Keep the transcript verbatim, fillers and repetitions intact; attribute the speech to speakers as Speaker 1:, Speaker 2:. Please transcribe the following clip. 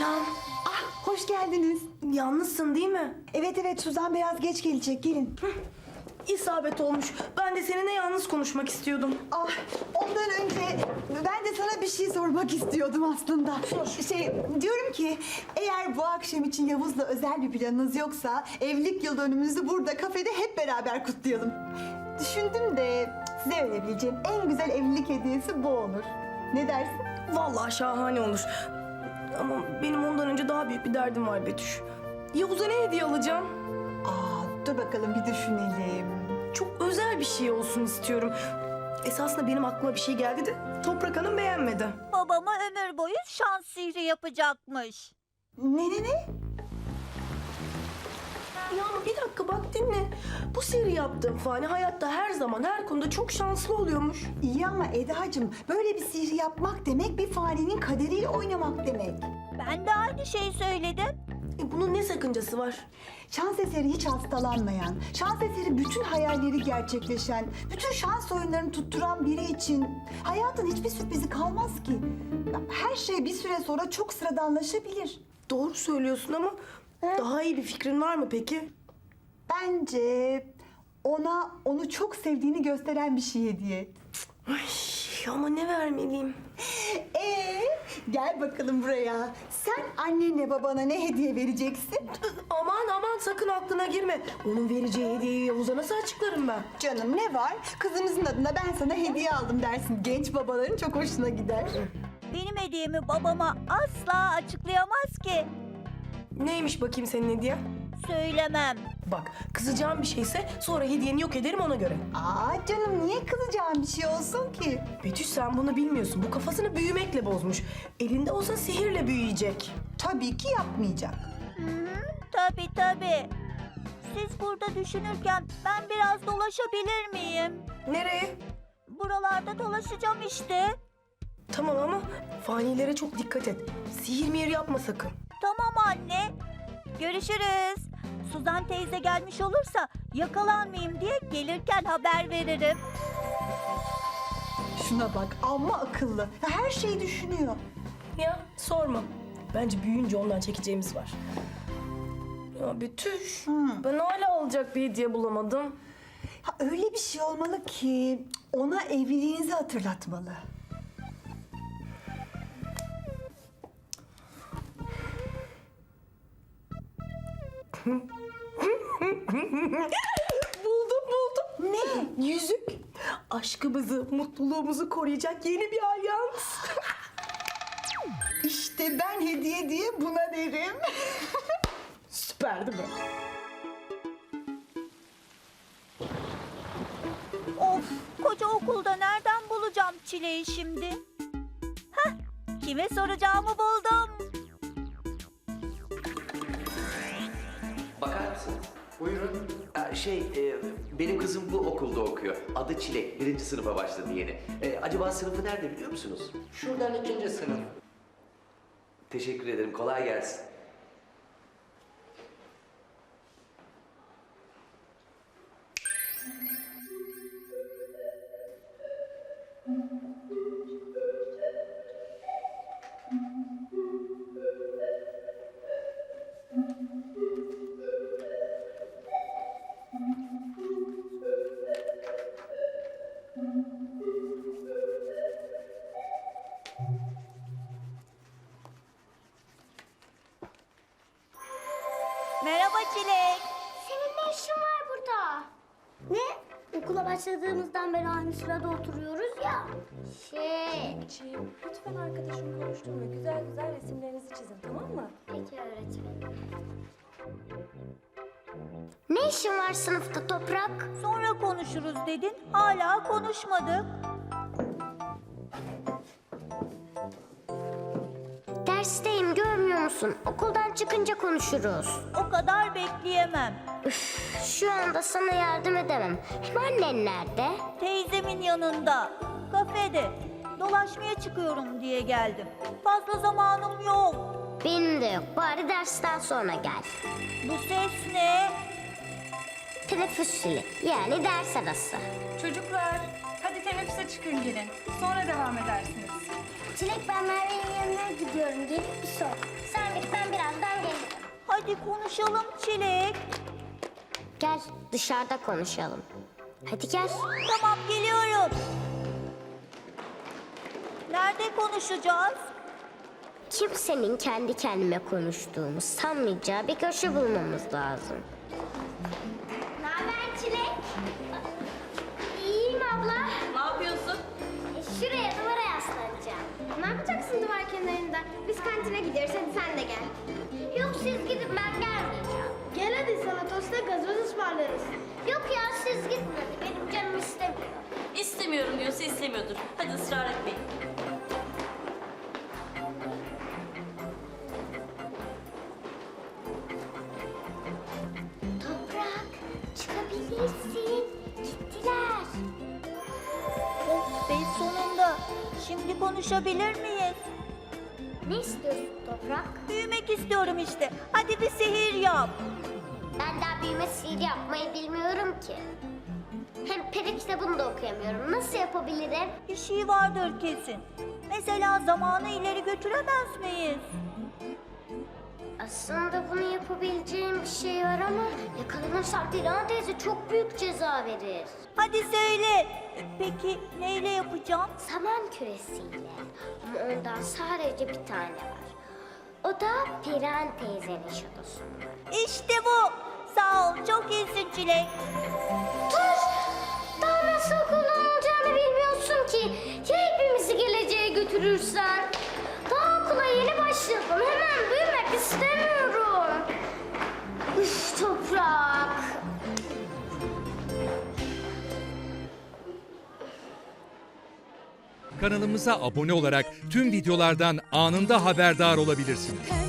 Speaker 1: Selam.
Speaker 2: Ah, hoş geldiniz.
Speaker 1: Yalnızsın değil mi?
Speaker 2: Evet evet, Suzan biraz geç gelecek, gelin.
Speaker 1: İsabet olmuş. Ben de seninle yalnız konuşmak istiyordum.
Speaker 2: Ah, ondan önce ben de sana bir şey sormak istiyordum aslında.
Speaker 1: Sor.
Speaker 2: Şey, diyorum ki eğer bu akşam için Yavuz'la özel bir planınız yoksa evlilik yıl dönümümüzü burada kafede hep beraber kutlayalım. Düşündüm de size verebileceğim en güzel evlilik hediyesi bu olur. Ne dersin?
Speaker 1: Vallahi şahane olur. Ama benim ondan önce daha büyük bir derdim var Betüş. Yavuz'a ne hediye alacağım?
Speaker 2: Aa, dur bakalım bir düşünelim.
Speaker 1: Çok özel bir şey olsun istiyorum. Esasında benim aklıma bir şey geldi de Toprak Hanım beğenmedi.
Speaker 3: Babama ömür boyu şans sihri yapacakmış.
Speaker 2: Ne ne ne?
Speaker 1: Ya ama bir dakika bak dinle. Bu sihri yaptığım fani hayatta her zaman her konuda çok şanslı oluyormuş.
Speaker 2: İyi ama Eda'cığım, böyle bir sihir yapmak demek bir farenin kaderiyle oynamak demek.
Speaker 3: Ben de aynı şeyi söyledim.
Speaker 1: E bunun ne sakıncası var?
Speaker 2: Şans eseri hiç hastalanmayan, şans eseri bütün hayalleri gerçekleşen, bütün şans oyunlarını tutturan biri için hayatın hiçbir sürprizi kalmaz ki. Ya, her şey bir süre sonra çok sıradanlaşabilir.
Speaker 1: Doğru söylüyorsun ama daha iyi bir fikrin var mı peki?
Speaker 2: Bence ona onu çok sevdiğini gösteren bir şey hediye et.
Speaker 1: Ay, ama ne vermeliyim?
Speaker 2: Ee, gel bakalım buraya. Sen annenle babana ne hediye vereceksin?
Speaker 1: Aman aman sakın aklına girme. Onun vereceği hediyeyi Yavuz'a nasıl açıklarım ben?
Speaker 2: Canım ne var? Kızımızın adına ben sana hediye aldım dersin. Genç babaların çok hoşuna gider.
Speaker 3: Benim hediyemi babama asla açıklayamaz ki.
Speaker 1: Neymiş bakayım senin hediyen?
Speaker 3: Söylemem.
Speaker 1: Bak kızacağım bir şeyse sonra hediyeni yok ederim ona göre.
Speaker 2: Aa canım, niye kızacağım bir şey olsun ki?
Speaker 1: Betüş sen bunu bilmiyorsun. Bu kafasını büyümekle bozmuş. Elinde olsa sihirle büyüyecek.
Speaker 2: Tabii ki yapmayacak.
Speaker 3: Hı hı, tabii tabii. Siz burada düşünürken ben biraz dolaşabilir miyim?
Speaker 1: Nereye?
Speaker 3: Buralarda dolaşacağım işte.
Speaker 1: Tamam ama fanilere çok dikkat et. Sihir mihir yapma sakın.
Speaker 3: Tamam anne. Görüşürüz. Suzan teyze gelmiş olursa yakalanmayayım diye gelirken haber veririm.
Speaker 2: Şuna bak, amma akıllı. Her şeyi düşünüyor.
Speaker 1: Ya sorma. Bence büyüyünce ondan çekeceğimiz var. Ya Betüş,
Speaker 2: Hı.
Speaker 1: ben hala alacak bir hediye bulamadım.
Speaker 2: Ha, öyle bir şey olmalı ki ona evliliğinizi hatırlatmalı.
Speaker 1: Buldum buldum.
Speaker 2: Ne?
Speaker 1: Yüzük. Aşkımızı, mutluluğumuzu koruyacak yeni bir alyans.
Speaker 2: İşte ben hediye diye buna derim.
Speaker 1: Süper değil mi?
Speaker 3: Of, koca okulda nereden bulacağım Çile'yi şimdi? Hah, kime soracağımı buldum.
Speaker 4: Bakar mısınız? Buyurun. Ee, şey, e, benim kızım bu okulda okuyor. Adı Çilek. Birinci sınıfa başladı yeni. Ee, acaba sınıfı nerede biliyor musunuz?
Speaker 5: Şuradan ikinci sınıf.
Speaker 4: Teşekkür ederim. Kolay gelsin.
Speaker 3: Merhaba Çilek.
Speaker 6: Senin ne işin var burada? Ne? Okula başladığımızdan beri aynı sırada oturuyoruz ya. Şey,
Speaker 7: Çiğim, lütfen arkadaşım konuşturma. Güzel güzel resimlerinizi çizin, tamam mı?
Speaker 6: peki öğretmenim. Ne işin var sınıfta Toprak?
Speaker 3: Sonra konuşuruz dedin, hala konuşmadık.
Speaker 6: Dersteyim, görmüyor musun? Okuldan çıkınca konuşuruz.
Speaker 3: O kadar bekleyemem.
Speaker 6: Şu anda sana yardım edemem. Hem annen nerede?
Speaker 3: Teyzemin yanında, kafede. Dolaşmaya çıkıyorum diye geldim. Fazla zamanım yok.
Speaker 6: Benim de yok. Bari dersten sonra gel.
Speaker 3: Bu ses ne?
Speaker 6: Teneffüs zili. Yani ders arası.
Speaker 7: Çocuklar, hadi
Speaker 5: teneffüse çıkın gelin. Sonra devam edersiniz.
Speaker 6: Çilek ben Merve'nin yanına gidiyorum. Gelip bir sor. Sen git ben birazdan gelirim.
Speaker 3: Hadi konuşalım Çilek.
Speaker 6: Gel dışarıda konuşalım. Hadi gel.
Speaker 3: Tamam geliyorum. Nerede konuşacağız?
Speaker 6: Kimsenin kendi kendime konuştuğumu sanmayacağı bir köşe bulmamız lazım. Ne haber Çilek? İyiyim abla.
Speaker 7: Ne yapıyorsun?
Speaker 6: E, şuraya duvara yaslanacağım.
Speaker 8: Ne yapacaksın duvar kenarında? Biz kantine gidiyoruz, hadi sen de gel.
Speaker 6: Yok siz gidin ben gelmeyeceğim.
Speaker 8: Gel hadi sana tosta gazoz ısmarlarız.
Speaker 6: Yok ya siz gidin hadi benim canım istemiyor.
Speaker 7: İstemiyorum diyorsa istemiyordur. Hadi ısrar etmeyin.
Speaker 6: Toprak çıkabilirsin. Gittiler.
Speaker 3: Oh be sonunda. Şimdi konuşabilir miyiz?
Speaker 6: Ne istiyorsun Toprak?
Speaker 3: Büyümek istiyorum işte. Hadi bir sihir yap.
Speaker 6: Ben daha büyüme sihir yapmayı bilmiyorum ki. Hem peri kitabını da okuyamıyorum. Nasıl yapabilirim?
Speaker 3: Bir şey vardır kesin. Mesela zamanı ileri götüremez miyiz?
Speaker 6: Aslında bunu yapabileceğim bir şey var ama yakalanırsak Dilan teyze çok büyük ceza verir.
Speaker 3: Hadi söyle. Peki neyle yapacağım?
Speaker 6: Saman küresiyle. Ama ondan sadece bir tane var. O da Perihan teyzenin şatosunda.
Speaker 3: İşte bu. Sağ ol. Çok iyisin Çilek.
Speaker 6: Dur! Daha nasıl kullanılacağını bilmiyorsun ki. Ya hepimizi geleceğe götürürsen? Daha okula yeni başladım. Hemen büyümek istemiyorum. Üf Toprak.
Speaker 9: Kanalımıza abone olarak tüm videolardan anında haberdar olabilirsiniz.